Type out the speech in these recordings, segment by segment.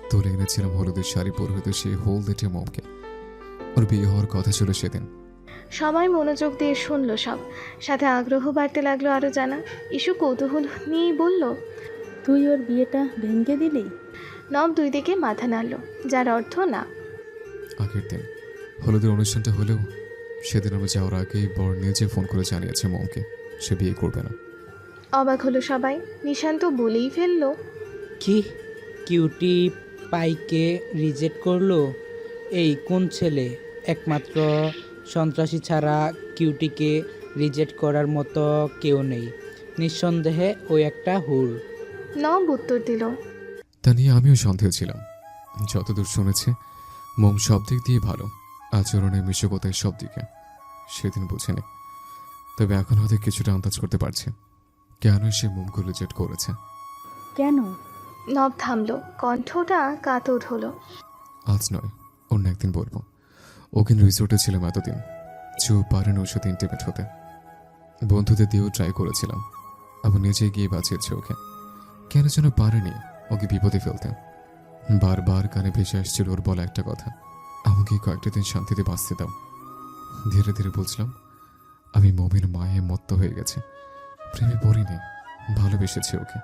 তুলে এনেছিলাম হলুদের শাড়ি পরিহিত সেই হলদেটে মমকে। ওর বিয়ে হওয়ার কথা ছিল সেদিন। সবাই মনোযোগ দিয়ে শুনল সব, সাথে আগ্রহ বাড়তে লাগলো আরও জানা। ইস্যু কৌতূহল নিয়েই বলল, তুই ওর বিয়েটা ভেঙে দিলি? নব দুই দিকে মাথা নাড়ল, যার অর্থ না। আগের দিন হলুদের অনুষ্ঠানটা হলেও সেদিন আমরা যাওয়ার আগেই বর নিজে ফোন করে জানিয়েছে মমকে সে বিয়ে করবে না। অবাক হলো সবাই। নিশান্ত বলেই ফেললো, কি, কিউটি পাইকে রিজেক্ট করলো? এই কোন ছেলে? একমাত্র সন্ত্রাসী ছাড়া কিউটিকে রিজেক্ট করার মতো কেউ নেই। নিঃসন্দেহে ওই একটা হুর। নব উত্তর দিল, তা নিয়ে আমিও সন্দেহ ছিলাম। যতদূর শুনেছি মম সব দিক দিয়ে ভালো, আচরণে মিশকতায় সব দিকে। সেদিন বুঝিনি, তবে এখন হয়তো কিছুটা আন্দাজ করতে পারছি কেন সে মমকে রিজেক্ট করেছে। কেন? নব থামলো, কণ্ঠটা কাতর হলো। আজ নয়, অন্য একদিন বলবো। ওখানে রিসোর্টে ছিলাম এতদিন, চুপ পারেন ওর সাথে ইন্টিমেট হতে। বন্ধুদের দিয়েও ট্রাই করেছিলাম, আবার নিজে গিয়ে বাঁচিয়েছে ওকে। কেন যেন পারেনি ওকে বিপদে ফেলতে। বারবার কানে ভেসে আসছিল ওর বলা একটা কথা, আমাকে কয়েকটা দিন শান্তিতে বাঁচতে দাও। ধীরে ধীরে বুঝলাম আমি মমের মায়ে মত্ত হয়ে গেছে। প্রেমে পড়িনি, ভালোবেসেছি ওকে।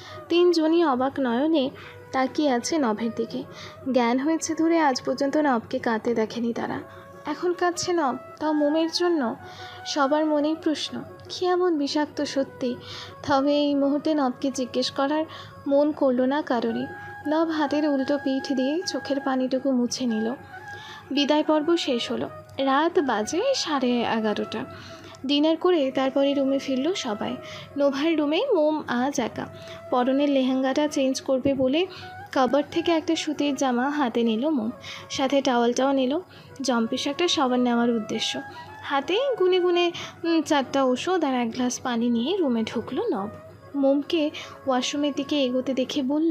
তিনজনই অবাক নয়নে তাকিয়ে আছে নভের দিকে। জ্ঞান হয়েছে ধরে আজ পর্যন্ত নবকে কাঁদতে দেখেনি তারা। এখন কাঁদছে নব, তাও মোমের জন্য। সবার মনেই প্রশ্ন, কি এমন বিষাক্ত সত্যি? তবে এই মুহূর্তে নবকে জিজ্ঞেস করার মন করল না কারোরই। নব হাতের উল্টো পিঠ দিয়ে চোখের পানিটুকু মুছে নিল। বিদায় পর্ব শেষ হলো। রাত বাজে 11:30। ডিনার করে তারপরে রুমে ফিরল সবাই। নোভার রুমে মোম আজ একা। পরনের লেহেঙ্গাটা চেঞ্জ করবে বলে কাবার্ড থেকে একটা সুতির জামা হাতে নিল মোম, সাথে টাওয়ালটাও নিল। জম্পিস একটা সাবান নেওয়ার উদ্দেশ্য। হাতে গুনে গুনে 4টা ওষুধ আর 1 গ্লাস পানি নিয়ে রুমে ঢুকলো নব। মোমকে ওয়াশরুমের দিকে এগোতে দেখে বলল,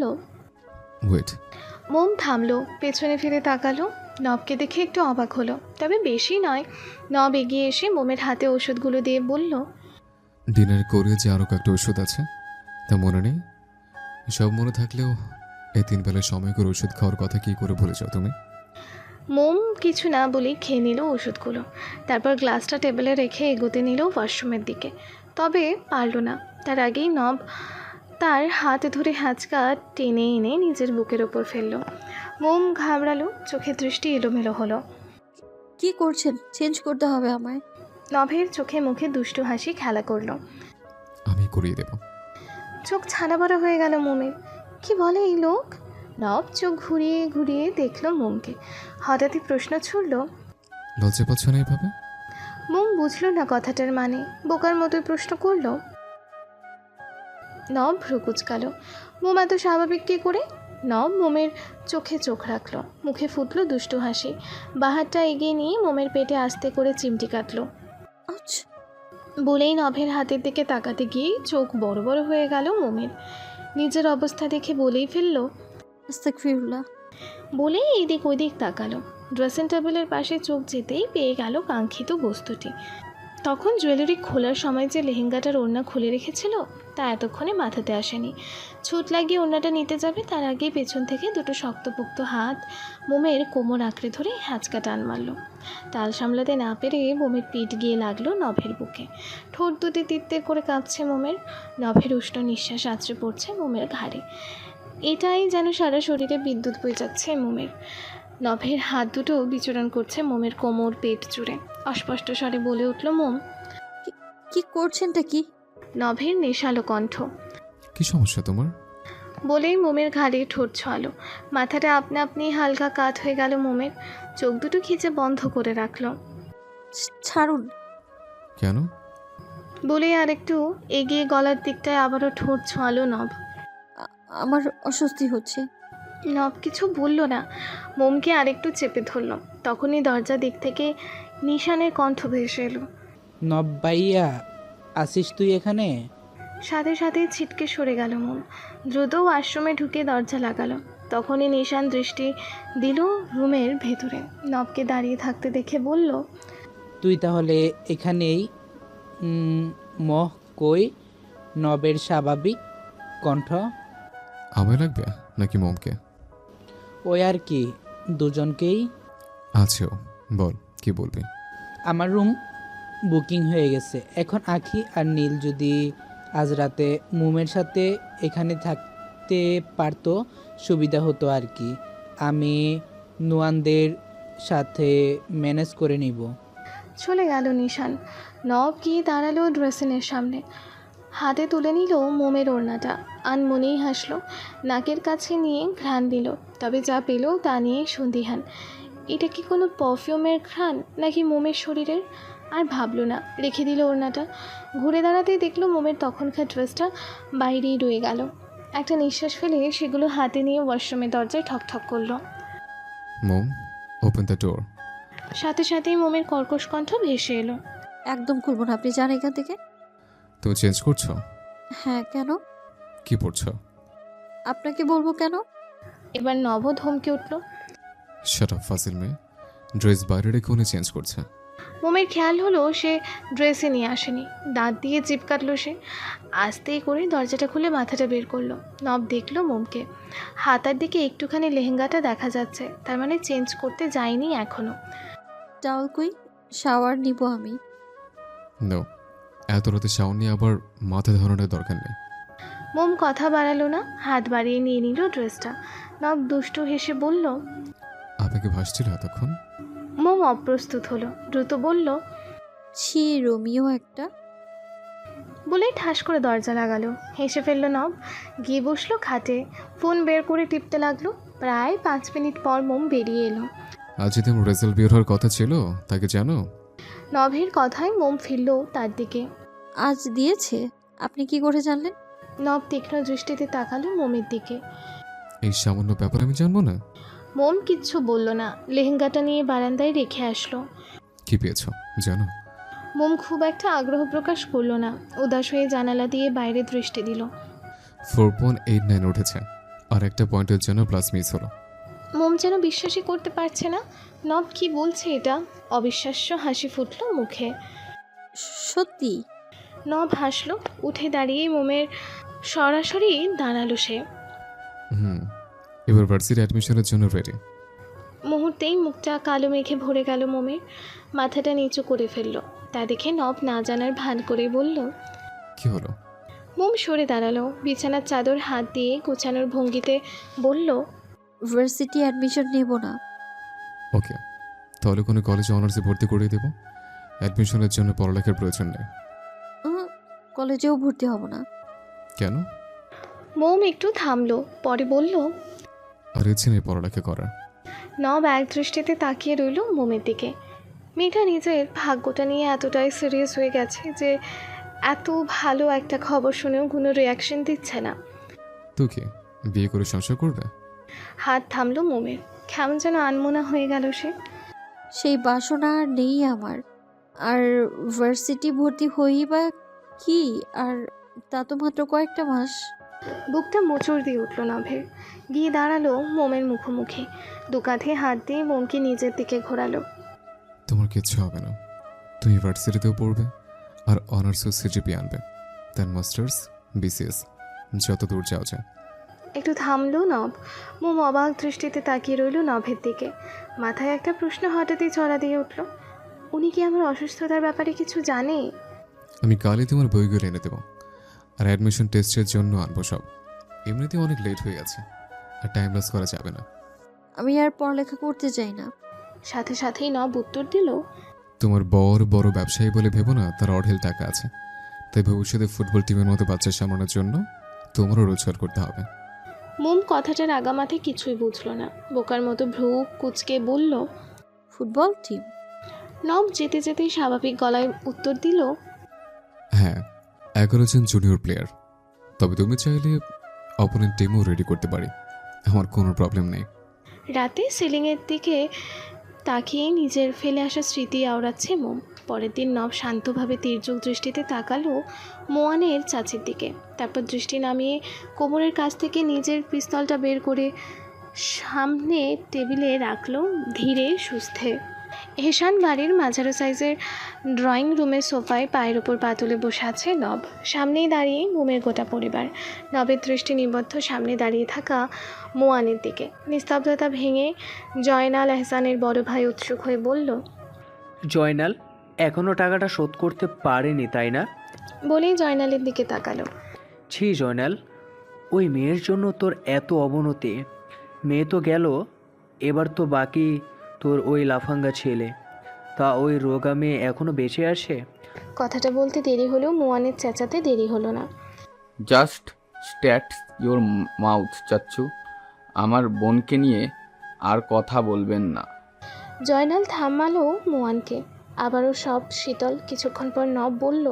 ওয়েট। মোম থামলো, পেছনে ফিরে তাকালো। নবকে দেখে একটু অবাক হলো, তবে বেশি নয়। নব এগিয়ে এসে মোমের হাতে ওষুধগুলো দিয়ে বলল, ডিনার করে যে আরও কয়েকটা ওষুধ আছে তা মনে নেই? সব মনে থাকলেও এই 3 বেলায় সময় করে ওষুধ খাওয়ার কথা কি করে ভুলে যাও তুমি? মোম কিছু না বলেই খেয়ে নিল ওষুধগুলো। তারপর গ্লাসটা টেবিলে রেখে এগোতে নিল ওয়াশরুমের দিকে। তবে পারল না। তার আগেই নব তার হাত ধরে হ্যাঁচকা টেনে এনে নিজের বুকের ওপর ফেলল। মোম ঘাবড়ালো, চোখের দৃষ্টি এলোমেলো হলো। কি করছেন? চেঞ্জ করতে হবে আমায়। নভের চোখে মুখে দুষ্টু হাসি খেলা করলো। আমি করিয়ে দেব। চোখ ছানা বড়া হয়ে গেল মোমের। কি বলে এই লোক? নব চোখ ঘুরিয়ে ঘুরিয়ে দেখলো মোমকে। হঠাৎই প্রশ্ন ছুড়ল। লজ্জা পাচ্ছ না এভাবে? মোম বুঝলো না কথাটার মানে, বোকার মতোই প্রশ্ন করলো। নব ভ্রু কুচকালো। মোম এত স্বাভাবিক কী করে? নব মোমের চোখে চোখ রাখলো, মুখে ফুটলো দুষ্টু হাসি। বাহারটা এগিয়ে নিয়ে মোমের পেটে আস্তে করে চিমটি কাটলো। আচ্ছা। বলেই নভের হাতের দিকে তাকাতে গিয়ে চোখ বড় বড় হয়ে গেল মোমের। নিজের অবস্থা দেখে বলেই ফেললো, আস্তাগফিরুল্লাহ। বলেই এদিক ওদিক তাকালো। ড্রেসিং টেবিলের পাশে চোখ যেতেই পেয়ে গেল কাঙ্ক্ষিত বস্তুটি। তখন জুয়েলারি খোলার সময় যে লেহেঙ্গাটার ওড়না খুলে রেখেছিল তা এতক্ষণে মাথাতে আসেনি। ছুট লাগিয়ে ওড়নাটা নিতে যাবে তার আগেই পেছন থেকে দুটো শক্তপোক্ত হাত মোমের কোমর আঁকড়ে ধরে হ্যাঁচকা টান মারল। তাল সামলাতে না পেরে মোমের পিঠ গিয়ে লাগলো নভের বুকে। ঠোঁট দুটি তিত্তে করে কাঁপছে মোমের। নভের উষ্ণ নিঃশ্বাস আছড়ে পড়ছে মোমের ঘাড়ে। এটাই যেন সারা শরীরে বিদ্যুৎ বয়ে যাচ্ছে মোমের। নভের হাত দুটো বিচরণ করছে মোমের কোমর পেট জুড়ে। অস্পষ্ট স্বরে বলে উঠল মোম। কি করছেনটা কি? নভের নেশালো কণ্ঠ। কি সমস্যা তোমার? বলেই মোমের ঘাড়ে ঠোঁট ছোঁয়ালো। মাথাটা আপনা আপনি হালকা কাত হয়ে গেল মোমের। চোখ দুটো খিচে বন্ধ করে রাখলো। ছাড়ুন। কেন? বলেই আরেকটু এগিয়ে গলার দিকটায় আবারও ঠোঁট ছোঁয়ালো নভ। আমার অস্বস্তি হচ্ছে। নভ কিছু বলল না, মোমকে আরেকটু চেপে ধরল। তখনই দরজা দিক থেকে নিশানের কণ্ঠ ভেসে এলো। নব্বাইয়া, আসিস তুই এখানে? সাথে সাথে ছিটকে সরে গেল মোম। দ্রুত ওয়াশরুমে ঢুকে দরজা লাগালো। তখনই নিশান দৃষ্টি দিল রুমের ভেতরে। নবকে দাঁড়িয়ে থাকতে দেখে বলল, তুই তাহলে এখানেই? মহ কই? নবের স্বাভাবিক কণ্ঠ। আমায় লাগবে নাকি মমকে? ওই আর কি, দুজনকেই। আছেও, বল কি বলবি? আমার রুম বুকিং হয়ে গেছে। এখন আঁখি আর নীল যদি আজ রাতে মুমের সাথে এখানে থাকতে পারতো সুবিধা হতো আর কি। আমি নুয়ানদের সাথে ম্যানেজ করে নিব। চলে গেল নিশান। নব গিয়ে দাঁড়ালো ড্রেসিনের সামনে, হাতে তুলে নিল মোমের ওড়নাটা। আনমনেই হাসলো, নাকের কাছে নিয়ে ঘ্রাণ দিল, তবে যা পেল তা নিয়ে সন্দিহান। এটা কি কোনো পারফিউমের ঘ্রাণ নাকি মোমের শরীরের? আর ভাবলো না, রেখে দিল ওড়নাটা। ঘুরে দাঁড়াতেই দেখলো মোমের তখনকার ড্রেসটা বাইরেই রয়ে গেল। একটা নিঃশ্বাস ফেলে সেগুলো হাতে নিয়ে ওয়াশরুমের দরজায় ঠকঠক করলো। মোম, ওপেন দ্য ডোর। সাথে সাথেই মোমের কর্কশ কণ্ঠ ভেসে এলো। একদম খুলবো না, আপনি যান এখান থেকে। তুমি চেঞ্জ করছো? হ্যাঁ, কেন? কি পড়ছো? আপনাকে বলবো কেন? এবার নব ধমকে উঠল। শাট আপ ফাজিল মেয়ে, ড্রেস বাইরে রেখে উনি চেঞ্জ করছে। মোমের খেয়াল হলো সে ড্রেসে নিয়ে আসেনি। দাঁত দিয়ে জিপ কাটলো সে। আস্তেই করে দরজাটা খুলে মাথাটা বের করলো। নব দেখলো মোমকে। হাতার দিকে একটুখানি লেহেঙ্গাটা দেখা যাচ্ছে, তার মানে চেঞ্জ করতে যায়নি এখনো। টাওয়াল কই? শাওয়ার নিব আমি। নো, এত রাতে শাওন নিয়ে আবার মাথা ধরানোর দরকার নেই। মোম কথা বাড়ালো না, হাত বাড়িয়ে নিয়ে নিল ড্রেসটা। নব দুষ্টু হেসে বলল। আপনাকে ভাসছিল এতক্ষণ? মোম অপ্রস্তুত হলো, দ্রুত বলল। ছি, রোমিও একটা। বলেই ঠাস করে দরজা লাগালো। হেসে ফেললো নব, গিয়ে বসলো খাটে। ফোন বের করে টিপতে লাগলো। প্রায় 5 মিনিট পর মোম বেরিয়ে এলো। আজ যদি আমার রেজাল্ট বের হওয়ার কথা ছিল, তাকে জানো? নভের কথায় মোম ফিরল তার দিকে। আজ দিয়েছে? আপনি কি করে জানলেন? নব তীক্ষ্ণ দৃষ্টিতে তাকালো মোমের দিকে। এই সামান্য ব্যাপার আমি জানবো না? মোম কিচ্ছু বলল না, লেহেঙ্গাটা নিয়ে বারান্দায় রেখে আসলো। কি পেয়েছো জানো? মোম খুব একটা আগ্রহ প্রকাশ করলো না, উদাস হয়ে জানালা দিয়ে বাইরে দৃষ্টি দিল। 4.89 উঠেছে, আর একটা পয়েন্টের জন্য প্লাস মিস হলো। মোম যেন বিশ্বাসই করতে পারছে না। নব কি বলছে এটা? অবিশ্বাস্য হাসি ফুটল মুখে। সত্যি? নব হাসলো, উঠে দাঁড়িয়ে মোমের সরাসরি দাঁড়ালো সে। এবার ভার্সিটি অ্যাডমিশনের জন্য রেডি। মুহূর্তেই মুখটা কালো মেঘে ভরে গেল মোমের। মাথাটা নিচু করে ফেললো। তা দেখে নব না জানার ভান করে বলল। কি হলো? মোম সরে দাঁড়ালো, বিছানার চাদর হাত দিয়ে গোছানোর ভঙ্গিতে বলল। ভার্সিটি অ্যাডমিশন নেব না। ওকে, তাহলে কোনো কলেজে অনার্সে ভর্তি করিয়ে দেবো। অ্যাডমিশনের জন্য পড়ালেখার প্রয়োজন নেই। কলেজেও ভর্তি হব না। কেন? মোম একটু থামলো, পরে বলল। আর ইচ্ছে নেই পড়ালেখা করার। নব এক দৃষ্টিতে তাকিয়ে রইল মোমের দিকে। মেয়েটা নিজের ভাগ্যটা নিয়ে এতটাই সিরিয়াস হয়ে গেছে যে এত ভালো একটা খবর শুনেও কোনো রিয়াকশন দিচ্ছে না। তো কি বিয়ে করে সংসার করবে? হাত থামলো মোমের, কেমন যেন আনমনা হয়ে গেল সে। সেই বাসনা আর নেই আমার। আর ভার্সিটি ভর্তি হই বা কি, আর তা তো মাত্র কয়েকটা মাস। বুকটা মোচড় দিয়ে উঠল নভের। গিয়ে দাঁড়ালো মোমের মুখোমুখি, দু কাঁধে হাত দিয়ে মোমকে নিজের দিকে ঘোরালো। তোমার কিচ্ছু হবে না, তুমি ইউনিভার্সিটিতেও পড়বে আর অনার্সও সিজিপি আনবে, দেন মাস্টার্স, বিসিএস, যত দূর যাওয়া যায়। একটু থামলো নব। মোম অবাক দৃষ্টিতে তাকিয়ে রইল নভের দিকে। মাথায় একটা প্রশ্ন হঠাৎই চড়া দিয়ে উঠল। উনি কি আমার অসুস্থতার ব্যাপারে কিছু জানে? আমি কালই তোমার বইগুলো এনে দেবো, আর অ্যাডমিশন টেস্টের জন্য আনবো সব। এমনিতেও অনেক লেট হয়ে গেছে, আর টাইম লস করা যাবে না। আমি আর পড়ালেখা করতে চাই না। সাথে সাথেই নব উত্তর দিল। তোমার বড় বড় ব্যবসায়ী বলে ভেবো না তার অঢেল টাকা আছে, তাই ভবিষ্যতে ফুটবল টিমের মতো বাচ্চা সামলানোর জন্য তোমারও রোজগার করতে হবে। মোম কথাটার আগামাথে কিছুই বুঝলো না, বোকার মতো ভ্রু কুচকে বলল। Football team? নব যেতে যেতেই স্বাভাবিক গলায় উত্তর দিল। হ্যাঁ, 11 জন জুনিয়র প্লেয়ার, তবে তুমি চাইলে অপোনেন্ট টিমও রেডি করতে পারি, আমার কোনো প্রবলেম নেই। রাতে সিলিংয়ের দিকে তাকিয়ে নিজের ফেলে আসা স্মৃতি আওড়াচ্ছে মোম। পরের দিন নব শান্তভাবে তির্যক দৃষ্টিতে তাকালো মোয়ানের চাচির দিকে। তারপর দৃষ্টি নামিয়ে কোমরের কাছ থেকে নিজের পিস্তলটা বের করে সামনে টেবিলে রাখলো ধীরে সুস্থে। হেশান বাড়ির মাঝারো সাইজের ড্রয়িং রুমের সোফায় পায়ের ওপর পা তুলে বসে আছে নব। সামনেই দাঁড়িয়ে মোমের গোটা পরিবার। নবের দৃষ্টি নিবদ্ধ সামনে দাঁড়িয়ে থাকা মোয়ানের দিকে। নিস্তব্ধতা ভেঙে জয়নাল এহসানের বড় ভাই উৎসুক হয়ে বলল, জয়নাল এখনও টাকাটা শোধ করতে পারেনি তাই না? বলেই জয়নালের দিকে তাকালো। ছি জয়নাল, ওই মেয়ের জন্য তোর এত অবনতি। মেয়ে তো গেল, এবার তো বাকি তোর ওই লাফাঙ্গা ছেলে। তা ওই রোগা মেয়ে এখনও বেঁচে আছে? কথাটা বলতে দেরি হলেও মোয়ানের চেঁচাতে দেরি হলো না। জাস্ট স্ট্যাট ইওর মাউথ চাচ্চু। আমার বোনকে নিয়ে আর কথা বলবেন না। জয়নাল থামালো মোয়ানকে। আবারও সব শীতল। কিছুক্ষণ পর নব বলল,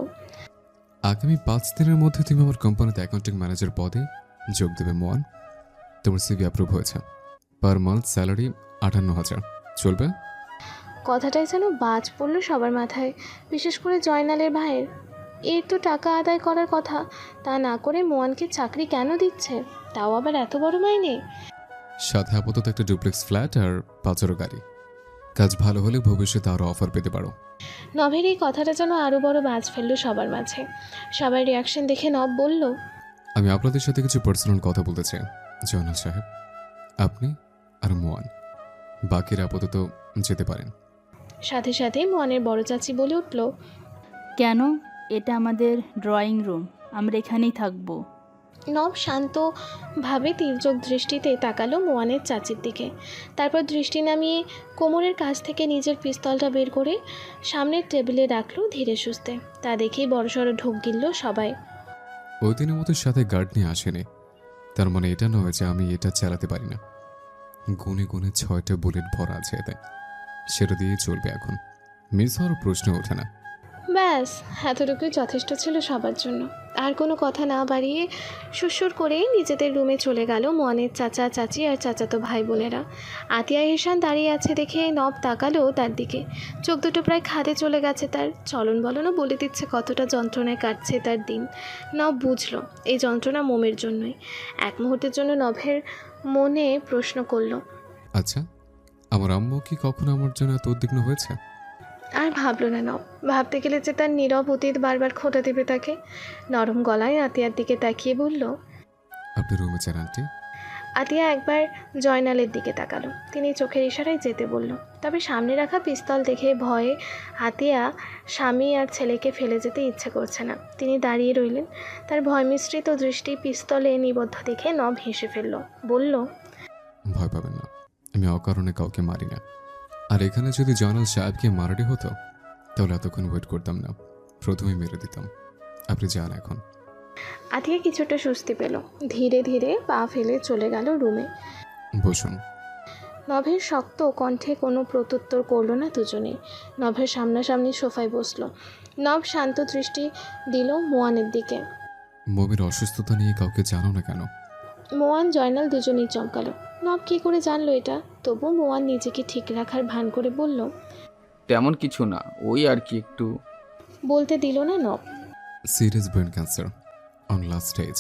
আগামী 5 দিনের মধ্যে তুমি আমার কোম্পানিতে অ্যাকাউন্টিং ম্যানেজার পদে যোগ দেবে মোয়ান। তোমার সিভি অ্যাপ্রুভ হয়েছে। Per month salary 58,000। চলবে? কথাটাই যেন বাজ পড়ল সবার মাথায়, বিশেষ করে জয়নালের ভাইয়ের। এর তো টাকা আদায় করার কথা, তা না করে মোয়ানকে চাকরি কেন দিচ্ছে, তাও আবার এত বড় মাইনে। সাথে আপাতত একটা ডুপ্লেক্স ফ্ল্যাট আর 5 গাড়ি। কাজ ভালো হলে ভবিষ্যতে আরও অফার পেতে পারো। নভের এই কথাটা যেন আরও বড় বাজ ফেললো সবার মাঝে। সবার রিয়াকশন দেখে নব বলল, আমি আপনাদের সাথে কিছু পার্সোনাল কথা বলতে চাই জয়নাল সাহেব। আপনি আর মোয়ান, বাকিরা আপাতত যেতে পারেন। সাথে সাথে মোয়ানের বড় চাচি বলে উঠল, কেন? এটা আমাদের ড্রয়িং রুম, আমরা এখানেই থাকবো। নব শান্তভাবে তীর্যক দৃষ্টিতে তাকালো মোয়ানের চাচির দিকে। তারপর দৃষ্টি নামিয়ে কোমরের কাছ থেকে নিজের পিস্তলটা বের করে সামনের টেবিলে রাখলো ধীরে সুস্থে। তা দেখেই বড়সড় ঢোক গিলল সবাই। ওই দিনের মতো সাথে গার্ড নিয়ে আসেনি, তার মানে এটা নয় যে আমি এটা চালাতে পারি না। গুনে গুনে 6টা বুলেট ভরা আছে এতে, সেটা দিয়ে চলবে এখন। মিস হওয়ার প্রশ্ন ওঠে না। ব্যাস, এতটুকুই যথেষ্ট ছিল সবার জন্য। আর কোনো কথা না বাড়িয়ে সুরসুর করে নিজেদের রুমে চলে গেল মোয়ানের চাচা চাচি আর চাচাতো ভাই বোনেরা। আতিয়া হেসান দাঁড়িয়ে আছে দেখে নব তাকালো তার দিকে। চোখ দুটো প্রায় খাদে চলে গেছে তার। চলন বলনও বলে দিচ্ছে কতটা যন্ত্রণায় কাটছে তার দিন। নব বুঝলো এই যন্ত্রণা মোমের জন্যই। এক মুহূর্তের জন্য নভের মনে প্রশ্ন করলো, আচ্ছা, আমার আম্মু কি কখনো আমার জন্য এত উদ্বিগ্ন হয়েছে? আর ভাবলো না নব। ভাবতে গেলে যে তার নীরব অতীত বারবার খোঁটা দেবে তাকে। নরম গলায় আতিয়ার দিকে তাকিয়ে বলল, আপনি রুমে যান আন্টি। আতিয়া একবার জয়নালের দিকে তাকালো। তিনি চোখের ইশারায় যেতে বলল। তবে সামনে রাখা পিস্তল দেখে ভয়ে আতিয়া স্বামী আর ছেলেকে ফেলে যেতে ইচ্ছে করছে না। তিনি দাঁড়িয়ে রইলেন, তার ভয় মিশ্রিত দৃষ্টি পিস্তলে নিবদ্ধ দেখে নব হেসে ফেলল। বলল, ভয় পাবেন না, আমি অকারণে কাউকে মারি না। আর এখানে যদি জয়নাল সাহেবকে মারাটি হতো তাহলে এতক্ষণ ওয়েট করতাম না, প্রথমেই মেরে দিতাম। আপনি যান এখন। আতিয়া কিছুটা স্বস্তি পেল। ধীরে ধীরে পা ফেলে চলে গেল রুমে। বসুন। নভের শক্ত কণ্ঠে কোনো প্রত্যুত্তর করল না দুজনেই। নভের সামনাসামনি সোফায় বসলো। নভ শান্ত দৃষ্টি দিল মোয়ানের দিকে। মমির অসুস্থতা নিয়ে কাউকে জানো না কেন? মোয়ান জয়নাল দুজনেই চমকালো। নব কী করে জানলো এটা? তবু মোয়ান নিজেকে ঠিক রাখার ভান করে বলল, তেমন কিছু না, ওই আর কি একটু। বলতে দিল না Nabo. Serious brain cancer on last stage.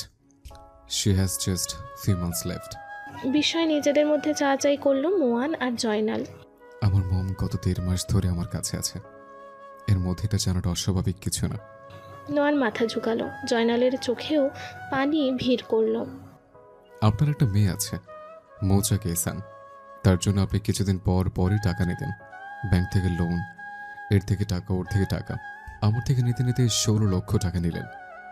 She has just few months left. বিস্ময় নিজেদের মধ্যে চাচাই করলো মোয়ান আর জয়নাল। আমার মম গত 13 মাস ধরে আমার কাছে আছে। এর মধ্যে এটা জানাটা অস্বাভাবিক কিছু না। নোয়ান মাথা ঝুঁকালো। জয়নালের চোখেও পানি ভিড় করলো। আপনার একটা মেয়ে আছে, মৌচা কেসান। তার জন্য আপনি কিছুদিন পর পরই টাকা নিতেন। ব্যাংক থেকে লোন, এর থেকে টাকা, ওর থেকে টাকা। আমার থেকে নিতে নিতে 16 লক্ষ টাকা নিলেন।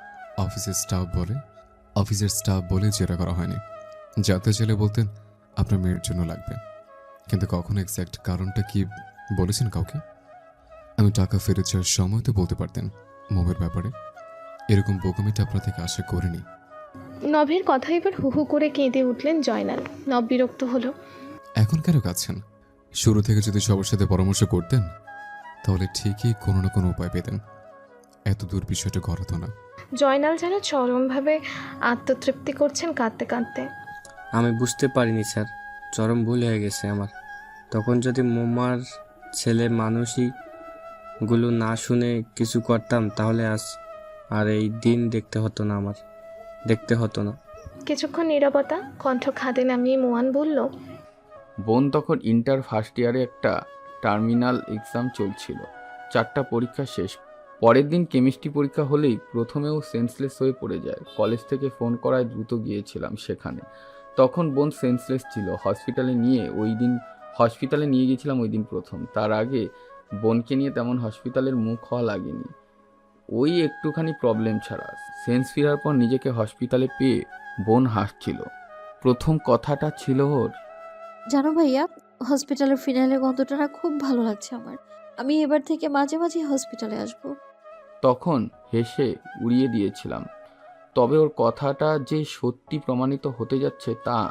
অফিসের স্টাফ বলে জেরা করা হয়নি। যাতে ছেলে বলতেন আপনার মেয়ের জন্য লাগবে, কিন্তু কখনো এক্স্যাক্ট কারণটা কি বলেছেন কাউকে? আমি টাকা ফেরত চাওয়ার সময় তো বলতে পারতেন মমের ব্যাপারে। এরকম বোকামিটা আপনার থেকে আশা করিনি। নভের কথা এবার হু হু করে কেঁদে উঠলেন জয়নাল। নব বিরক্ত হলো। এখন কেন কাঁদছেন? শুরু থেকে যদি সবার সাথে পরামর্শ করতেন তাহলে ঠিকই কোনো না কোনো উপায় পেতেন। এত দূর বিষয়টা গড়াতো না। জয়নাল যেন চরমভাবে আত্মতৃপ্তি করছেন কাঁদতে কাঁদতে। আমি বুঝতে পারিনি স্যার, চরম ভুল হয়ে গেছে আমার। তখন যদি মোমার ছেলে মানুষইগুলো না শুনে কিছু করতাম তাহলে আজ আর এই দিন দেখতে হতো না। কিছুক্ষণ নীরবতা। কণ্ঠ খাদে নামিয়ে মোয়ান বলল, বোন তখন ইন্টার ফার্স্ট ইয়ারে একটা টার্মিনাল এক্সাম চলছিল। 4টা পরীক্ষা শেষ। পরের দিন কেমিস্ট্রি পরীক্ষা হলেই প্রথমেও সেন্সলেস হয়ে পড়ে যায়। কলেজ থেকে ফোন করায় দ্রুত গিয়েছিলাম সেখানে। তখন বোন সেন্সলেস ছিল। হসপিটালে নিয়ে গেছিলাম ওই দিন প্রথম। তার আগে বোনকে নিয়ে তেমন হসপিটালের মুখ হওয়া লাগেনি, ওই একটুখানি প্রবলেম ছাড়া। সেন্স ফেরার পর নিজেকে হসপিটালে পেয়ে বোন হাসছিল। প্রথম কথাটা ছিল ওর, জানো ভাইয়া, হসপিটালের ফিনালে গন্ধটা না খুব ভালো লাগছে আমার। আমি এবার থেকে মাঝে মাঝে হসপিটালে আসবো। তখন হেসে উড়িয়ে দিয়েছিলাম। তবে ওর কথাটা যে সত্যি প্রমাণিত হতে যাচ্ছে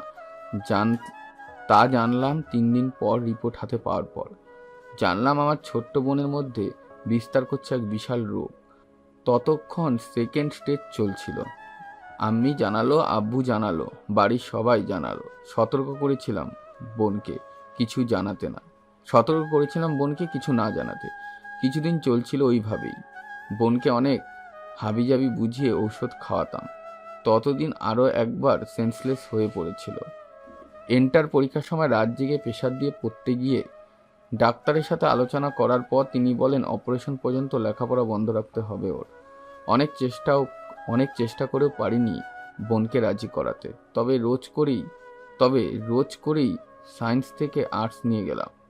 তা জানলাম 3 দিন পর, রিপোর্ট হাতে পাওয়ার পর। জানলাম আমার ছোট্ট বোনের মধ্যে বিস্তার করছে এক বিশাল রোগ। ততক্ষণ সেকেন্ড স্টেজ চলছিল। আম্মি জানালো, আব্বু জানালো, বাড়ির সবাই জানালো। সতর্ক করেছিলাম বোনকে কিছু না জানাতে। কিছুদিন চলছিল ওইভাবেই। বোনকে অনেক হাবিজাবি বুঝিয়ে ঔষধ খাওয়াতাম। ততদিন আরও একবার সেন্সলেস হয়ে পড়েছিল। এন্টার পরীক্ষার সময় রাত জেগে প্রেশার দিয়ে পড়তে গিয়ে ডাক্তারের সাথে আলোচনা করার পর তিনি বলেন অপারেশন পর্যন্ত লেখাপড়া বন্ধ রাখতে হবে ওর। অনেক চেষ্টা করেও পারিনি বোনকে রাজি করাতে। তবে রোজ করেই সায়েন্স থেকে আর্টসে নিয়ে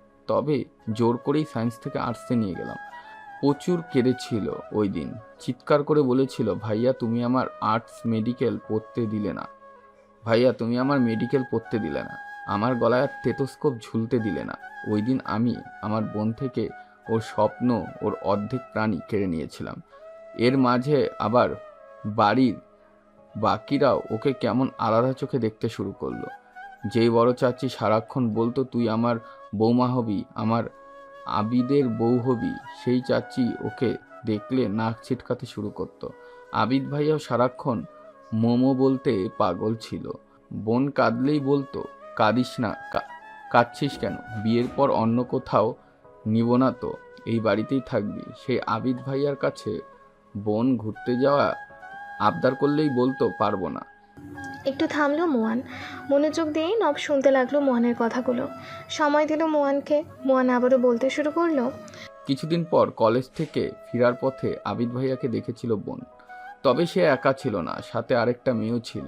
গেলাম। প্রচুর কেঁদেছিল ওই দিন। চিৎকার করে বলেছিল, ভাইয়া তুমি আমার মেডিকেল পড়তে দিলে না, আমার গলায় টেটোস্কোপ ঝুলতে দিলে না। ওই দিন আমি আমার বোন থেকে ওর স্বপ্ন, ওর অর্ধেক প্রাণী কেড়ে নিয়েছিলাম। এর মাঝে আবার বাড়ির বাকিরাও ওকে কেমন আলাদা চোখে দেখতে শুরু করলো। যেই বড় চাচি সারাক্ষণ বলতো তুই আমার বৌমা হবি, আমার আবিদের বউ হবি, সেই চাচি ওকে দেখলে নাক ছিটকাতে শুরু করতো। আবিদ ভাইয়াও সারাক্ষণ মোমো বলতে পাগল ছিল। বোন কাঁদলেই বলতো, কাঁদিস না, কাঁদছিস কেন? বিয়ের পর অন্য কোথাও নিব না তো, এই বাড়িতেই থাকবি। সেই আবিদ ভাইয়ার কাছে বোন ঘুরতে যাওয়া আবদার করলেই বলতো পারবো না। একটু থামলো মোয়ান। মনোযোগ দিয়ে নব শুনতে লাগলো মোয়ানের কথাগুলো। সময় দিল মোয়ানকে। মোয়ান আবারও বলতে শুরু করলো। কিছুদিন পর কলেজ থেকে ফেরার পথে আবিদ ভাইয়াকে দেখেছিল বোন। তবে সে একা ছিল না, সাথে আরেকটা মেয়েও ছিল।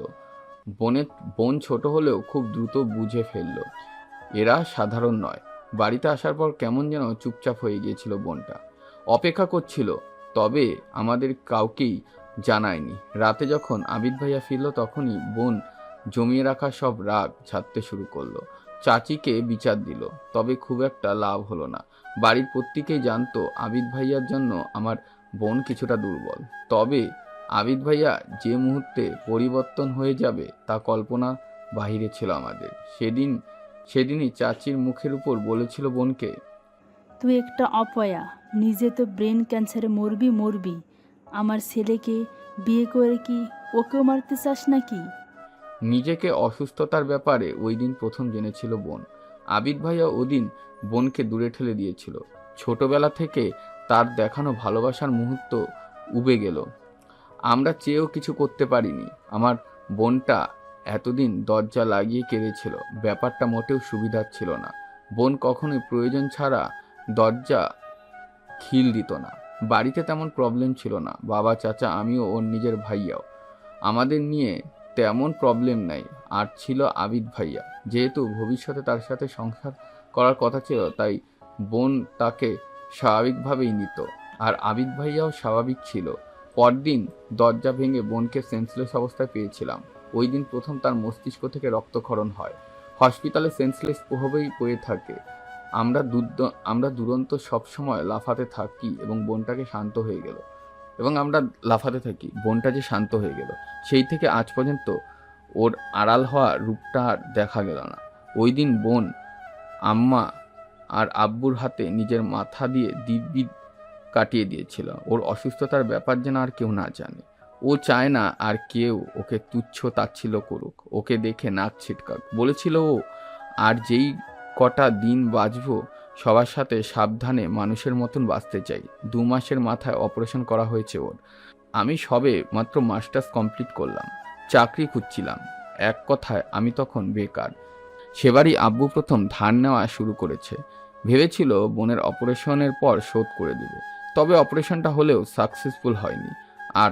বোন ছোট হলেও খুব দ্রুত বুঝে ফেলল এরা সাধারণ নয়। বাড়িতে আসার পর কেমন যেন চুপচাপ হয়ে গিয়েছিল বোনটা। অপেক্ষা করছিল, তবে আমাদের কাউকেই জানায়নি। রাতে যখন আবিদ ভাইয়া ফিরল তখনই বোন জমিয়ে রাখা সব রাগ ছাড়তে শুরু করলো। চাচিকে বিচার দিল, তবে খুব একটা লাভ হলো না। বাড়ির প্রত্যেকেই জানতো আবিদ ভাইয়ার জন্য আমার বোন কিছুটা দুর্বল। তবে আবিদ ভাইয়া যে মুহূর্তে পরিবর্তন হয়ে যাবে তা কল্পনা বাহিরে ছিল আমাদের। সেদিনই চাচির মুখের উপর বলেছিল বোনকে, তুই একটা অপয়া, নিজে তো ব্রেন ক্যান্সারে মরবি। আমার ছেলেকে বিয়ে করে কি ওকেও মারতে চাস নাকি? নিজেকে অসুস্থতার ব্যাপারে ওই দিন প্রথম জেনেছিল বোন। আবিদ ভাইয়া ওদিন বোনকে দূরে ঠেলে দিয়েছিল। ছোটবেলা থেকে তার দেখানো ভালোবাসার মুহূর্ত উবে গেল। আমরা চেয়েও কিছু করতে পারিনি। আমার বোনটা এতদিন দরজা লাগিয়ে কেঁদেছিল। ব্যাপারটা মোটেও সুবিধার ছিল না। বোন কখনোই প্রয়োজন ছাড়া দরজা খিল দিত না। বাড়িতে তেমন প্রবলেম ছিল না। বাবা, চাচা, আমিও ওর নিজের ভাইয়াও, আমাদের নিয়ে তেমন প্রবলেম নাই। আর ছিল আবিদ ভাইয়া। যেহেতু ভবিষ্যতে তার সাথে সংসার করার কথা ছিল, তাই বোন তাকে স্বাভাবিকভাবেই নিত। আর আবিদ ভাইয়াও স্বাভাবিক ছিল। পরদিন দরজা ভেঙে বোনকে সেন্সলেস অবস্থায় পেয়েছিলাম। ওই দিন প্রথম তার মস্তিষ্ক থেকে রক্তক্ষরণ হয়। হসপিটালে সেন্সলেস হয়েই পড়ে থাকে। আমরা দুরন্ত সবসময় লাফাতে থাকি এবং বোনটা যে শান্ত হয়ে গেল। সেই থেকে আজ পর্যন্ত ওর আড়াল হওয়া রূপটা আর দেখা গেল না। ওই দিন বোন আম্মা আর আব্বুর হাতে নিজের মাথা দিয়ে দিব্যি কাটিয়ে দিয়েছিল। ওর অসুস্থতার ব্যাপার যেন আর কেউ না জানে। ও চায় না আর কেউ ওকে তুচ্ছ তাচ্ছিল্য করুক, ওকে দেখে নাক ছিটকাক। বলেছিল ও আর যেই কটা দিন বাঁচবো সবার সাথে সাবধানে মানুষের মতন বাঁচতে চাই। 2 মাসের মাথায় অপারেশন করা হয়েছে ওর। আমি সবে মাত্র মাস্টার্স কমপ্লিট করলাম, চাকরি খুঁজছিলাম। এক কথায় আমি তখন বেকার। সেবারই আব্বু প্রথম ধার নেওয়া শুরু করেছে। ভেবেছিল বোনের অপারেশনের পর শোধ করে দিবে, তবে অপারেশনটা হলেও সাকসেসফুল হয়নি। আর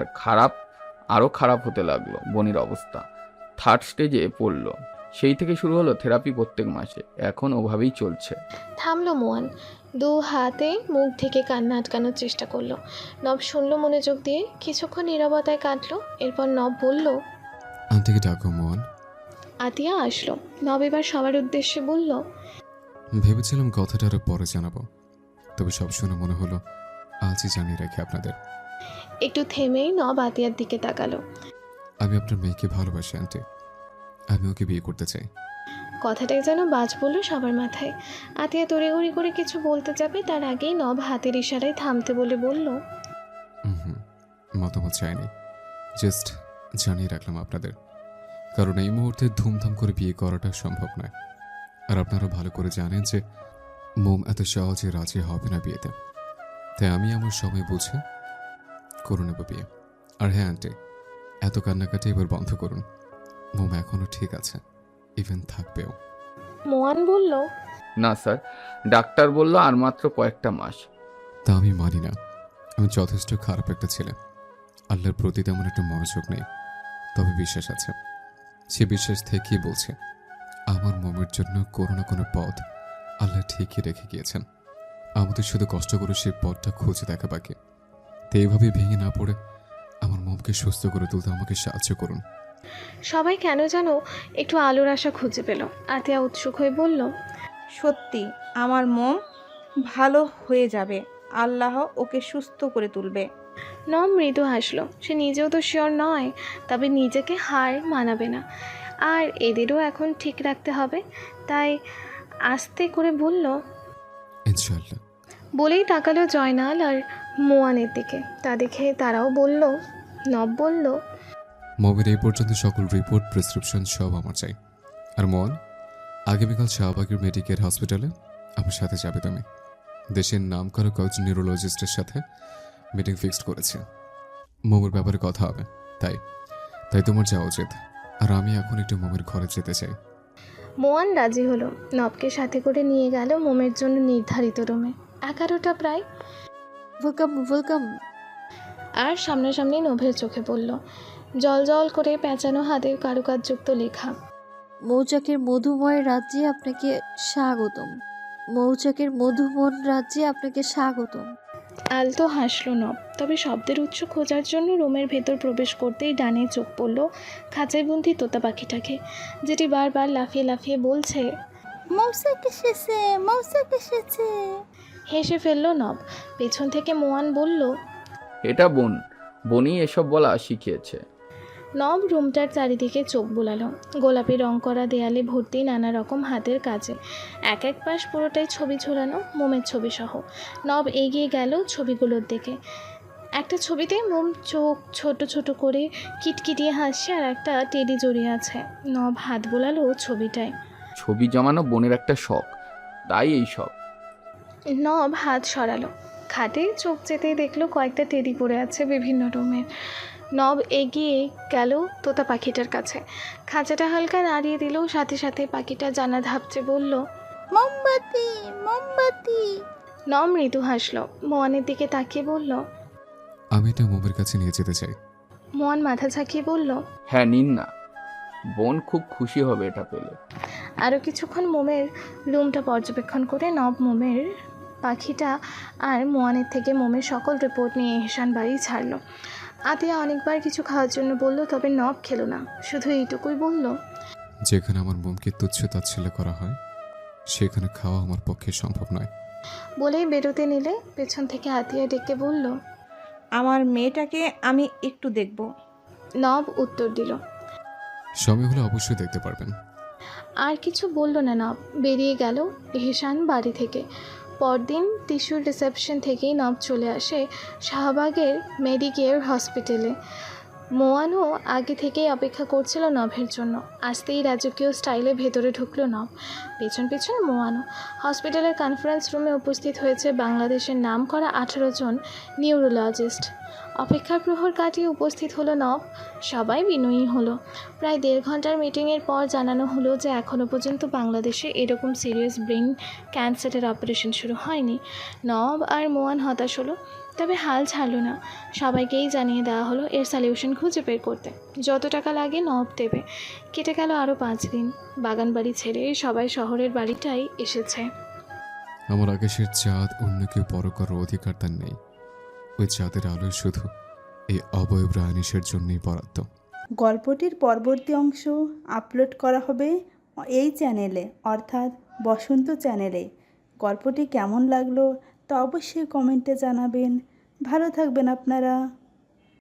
আরও খারাপ হতে লাগলো বোনের অবস্থা। 3rd স্টেজে পড়লো। সেই থেকে শুরু হলো থেরাপি প্রত্যেক মাসে। এখন ওভাবেই চলছে। থামলো মোয়ান, 2 হাতে মুখ ঢেকে কান্না আটকানোর চেষ্টা করলো। নব শুনলো মনোযোগ দিয়ে, কিছুক্ষণ নীরবতায় কাটলো। এরপর নব বলল, আন্টিকে ডাকো মোহন। আতিয়া আসলো। নব এবার সবার উদ্দেশ্যে বলল, ভেবেছিলাম কথাটা আরো পরে জানাবো, তবে সব শুনে মনে হলো আজই জানিয়ে রাখি আপনাদের। একটু থেমেই নব আতিয়ার দিকে তাকালো। আমি আপনার মেয়েকে ভালোবাসি আন্টি, আমি ওকে বিয়ে করতে চাই। কথাটাই যেন বাজ পড়ল সবার মাথায়। আতিয়া তড়িঘড়ি করে কিছু বলতে যাবে, তার আগেই নব হাতের ইশারায় থামতে বলে বলল, হুম, মতামত চাইনি, জাস্ট জানিয়ে রাখলাম আপনাদের, কারণ এই মুহূর্তে ধুমধাম করে বিয়ে করাটা সম্ভব নয়। আর আপনারা ভালো করে জানেন যে মোম এত সহজে রাজি হবে না বিয়েতে, তাই আমি আমার সময় বুঝে করে নেব বিয়ে। আর হ্যাঁ আন্টি, এত কান্নাকাটি এবার বন্ধ করুন। মোম এখনো ঠিক আছে, ইভেন থাকবেও। মোয়ান বলল, না স্যার, ডাক্তার বলল আর মাত্র কয়েকটা মাস। তা আমি মানি না। আমি যথেষ্ট খারাপ একটা ছেলে, আল্লাহর প্রতি তেমন একটা মনোযোগ নেই, তবে বিশ্বাস আছে। সে বিশ্বাস থেকেই বলছে আমার মোমের জন্য কোনো না কোনো পথ আল্লাহ ঠিকই রেখে গিয়েছেন। আমাদের শুধু কষ্ট করে সেই পথটা খুঁজে দেখা বাকি। তো এইভাবে ভেঙে না পড়ে আমার মোমকে সুস্থ করে তুলতে আমাকে সাহায্য করুন। সবাই কেন যেন একটু আলোর আশা খুঁজে পেল। আতিয়া উৎসুক হয়ে বলল, সত্যি আমার মন ভালো হয়ে যাবে, আল্লাহ ওকে সুস্থ করে তুলবে। নব মৃদু হাসলো। সে নিজেও তো শিওর নয়, তবে নিজেকে হার মানাবে না, আর এদেরও এখন ঠিক রাখতে হবে। তাই আস্তে করে বলল, ইনশাআল্লাহ। বলেই তাকালো জয়নাল আর মোয়ানের দিকে। তা দেখে তারাও বলল। নব বলল, মোমের এই পর্যন্ত সকল রিপোর্ট প্রেসক্রিপশন সব আমার চাই। আর মোহন, আগামীকাল শাহবাগের মেডিকেল হসপিটালে আমার সাথে যাবে তুমি। দেশের নাম করা কয়েকজন নিউরোলজিস্টের সাথে মিটিং ফিক্সড করেছে, মোমের ব্যাপারে কথা হবে। তাই তাই তোমার যাওয়া উচিত। আর আমি এখন একটু মোমের ঘরে যেতে চাই। মোয়ান রাজি হলো। নবকে সাথে করে নিয়ে গেল মোমের জন্য নির্ধারিত রুমে। 11টা প্রায়। Welcome welcome. আর সামনাসামনি নভের চোখে পড়ল জল জল করে পেঁচানো হাতের কারুকাজযুক্ত লেখা, মৌচাকের মধুময় রাজ্যে আপনাকে স্বাগতম। মৌচাকের মধুমন রাজ্যে আপনাকে স্বাগতম। আলতো হাসলো নব। তবে শব্দের উৎস খোঁজার জন্য রুমের ভেতর প্রবেশ করতেই ডানে চোখ পড়ল খাঁচায় বন্দি তোতা পাখিটাকে, যেটি বারবার লাফিয়ে লাফিয়ে বলছে, মৌসাক এসেছে, মৌসাক এসেছে। হেসে ফেলল নব। পেছন থেকে মোয়ান বলল, এটা বনই এসব বলা শিখিয়েছে। নব রুমটার চারিদিকে চোখ বোলালো। গোলাপি রং করা দেয়ালে ভর্তি নানা রকম হাতের কাজে, এক এক পাশ পুরোটাই ছবি ঝোলানো, মোমের ছবি সহ। নব এগিয়ে গেল ছবিগুলোর দিকে। একটা ছবিতে মোম চোখ ছোট ছোট করে কিটকিটিয়ে হাসছে, আর একটা টেডি জড়িয়ে আছে। নব হাত বোলালো ছবিটায়। ছবি জমানো বোনের একটা শখ, তাই এই শখ। নব হাত সরালো। খাটে চোখ যেতেই দেখলো কয়েকটা টেডি পড়ে আছে বিভিন্ন রুমের। নব এগিয়ে গেল তোতা পাখিটার কাছে। খাঁচাটা হালকা নাড়িয়ে দিল, সাথে সাথে পাখিটা জানা ধাপচে বলল, মোমবাতি, মোমবাতি। নব মৃদু হাসলো। মোয়ানের দিকে তাকিয়ে বলল, আমি এটা মোমের কাছে নিয়ে যেতে চাই। মোয়ান মাথা ঝাঁকিয়ে বলল, হ্যাঁ নিন না, বোন খুব খুশি হবে এটা পেলে। আরও কিছুক্ষণ মোমের রুমটা পর্যবেক্ষণ করে নব মোমের পাখিটা আর মোয়ানের থেকে মোমের সকল রিপোর্ট নিয়ে এহসান বাড়ি ছাড়লো। আতিয়া অনেকবার কিছু খাওয়ার জন্য বলল, তবে নব খেলো না, শুধু এইটুকুই বলল, যেখানে আমার মোমকে তুচ্ছ তাচ্ছিল্য করা হয় সেখানে খাওয়া আমার পক্ষে সম্ভব নয়। বলেই বেরোতে নিলে পেছন থেকে আতিয়া ডেকে বলল, আমার মেয়েটাকে আমি একটু দেখব। নব উত্তর দিল। সময় হলে অবশ্যই দেখতে পারবেন। আর কিছু বলল না নব, বেরিয়ে গেল এহসান বাড়ি থেকে। পরদিন টিস্যুর রিসেপশন থেকেই নব চলে আসে শাহবাগের মেডিকেয়ার হসপিটালে। মোয়ানও আগে থেকেই অপেক্ষা করছিল নভের জন্য। আসতেই রাজকীয় স্টাইলে ভেতরে ঢুকলো নভ, পেছন পেছন মোয়ানও। হসপিটালের কনফারেন্স রুমে উপস্থিত হয়েছে বাংলাদেশের নামকরা 18 জন নিউরোলজিস্ট। অপেক্ষার প্রহর কাটিয়ে উপস্থিত হলো নভ। সবাই বিনয়ী হলো। প্রায় 1.5 ঘন্টার মিটিংয়ের পর জানানো হলো যে এখনও পর্যন্ত বাংলাদেশে এরকম সিরিয়াস ব্রেন ক্যান্সারের অপারেশন শুরু হয়নি। নভ আর মোয়ান হতাশ হলো, তবে হাল ছাড়লো না। সবাইকেই জানিয়ে দেওয়া হলো এর সলিউশন খুঁজে বের করতে যত টাকা লাগে নব দেবে। কেটে গেল আরও 5 দিন। বাগান বাড়ি ছেড়ে সবাই শহরের বাড়িটাই এসেছে। আমার আকাশের চাঁদ অন্য কেউ বড় করার অধিকার তার নেই। ওই চাঁদের আলো শুধু এই অবয়ব রায়নিশের জন্যই বরাদ্দ। গল্পটির পরবর্তী অংশ আপলোড করা হবে এই চ্যানেলে, অর্থাৎ বসন্ত চ্যানেলে। গল্পটি কেমন লাগলো তা অবশ্যই কমেন্টে জানাবেন। ভালো থাকবেন আপনারা।